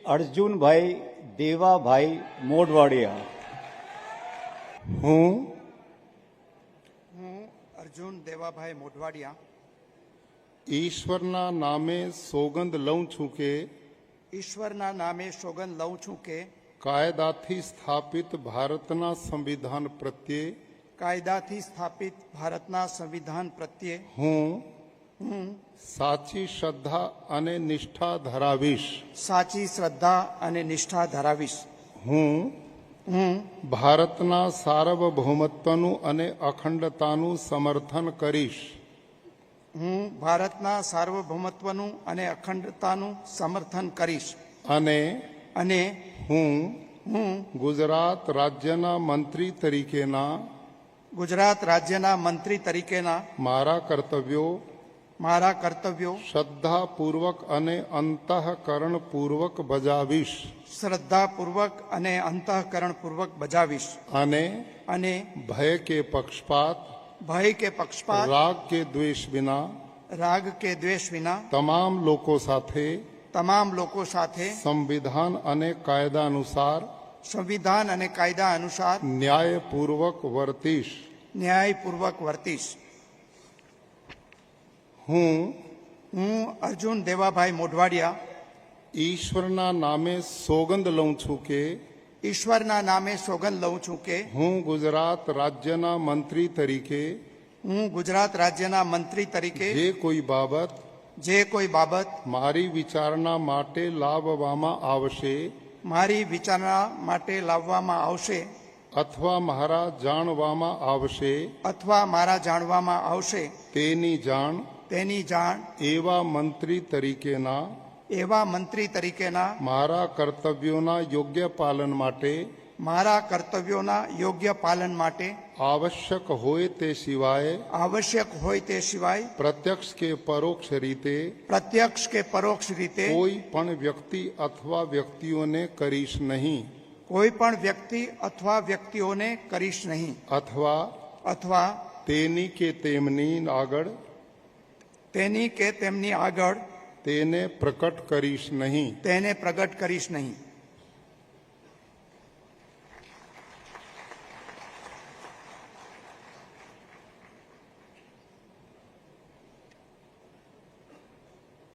अर्जुनभाई देवाभाई मोढवाडिया। હું અર્જુન દેવાભાઈ મોઢવાડિયા ઈશ્વરના નામે સોગંદ લઉં છું કે ઈશ્વરના નામે સોગંદ લઉં છું કે કાયદાથી સ્થાપિત ભારતના સંવિધાન પ્રત્યે કાયદાથી સ્થાપિત ભારતના સંવિધાન પ્રત્યે હું સાચી શ્રદ્ધા અને નિષ્ઠા ધરાવીશ. સાચી શ્રદ્ધા અને નિષ્ઠા ધરાવીશ. હું ભારતના સાર્વભૌમત્વનું અને અખંડતાનું સમર્થન કરીશ. હું ભારતના સાર્વભૌમત્વનું અને અખંડતાનું સમર્થન કરીશ. અને હું ગુજરાત રાજ્યના મંત્રી તરીકેના ગુજરાત રાજ્યના મંત્રી તરીકેના મારા કર્તવ્યો શ્રદ્ધાપૂર્વક અને અંતઃકરણપૂર્વક બજાવીશ. શ્રદ્ધાપૂર્વક અને અંતઃકરણપૂર્વક બજાવીશ. અને ભય કે પક્ષપાત રાગ કે દ્વેષ વિના તમામ લોકો સાથે સંવિધાન અને કાયદા અનુસાર ન્યાયપૂર્વક વર્તીશ. હું અર્જુન દેવાભાઈ મોઢવાડિયા ઈશ્વરના નામે સોગંદ લઉં છું કે ઈશ્વરના નામે સોગંદ લઉં છું કે હું ગુજરાત રાજ્યના મંત્રી તરીકે જે કોઈ બાબત મારી વિચારણા માટે લાવવામાં આવશે અથવા મારા જાણવામાં આવશે તેની જાણ એવા મંત્રી તરીકેના મારા કર્તવ્યોના યોગ્ય પાલન માટે આવશ્યક હોય તે સિવાય પ્રત્યક્ષ કે પરોક્ષ રીતે કોઈ પણ વ્યક્તિ અથવા વ્યક્તિઓને કરીશ નહીં અથવા તેની કે તેમની આગળ તેને પ્રગટ કરીશ નહીં.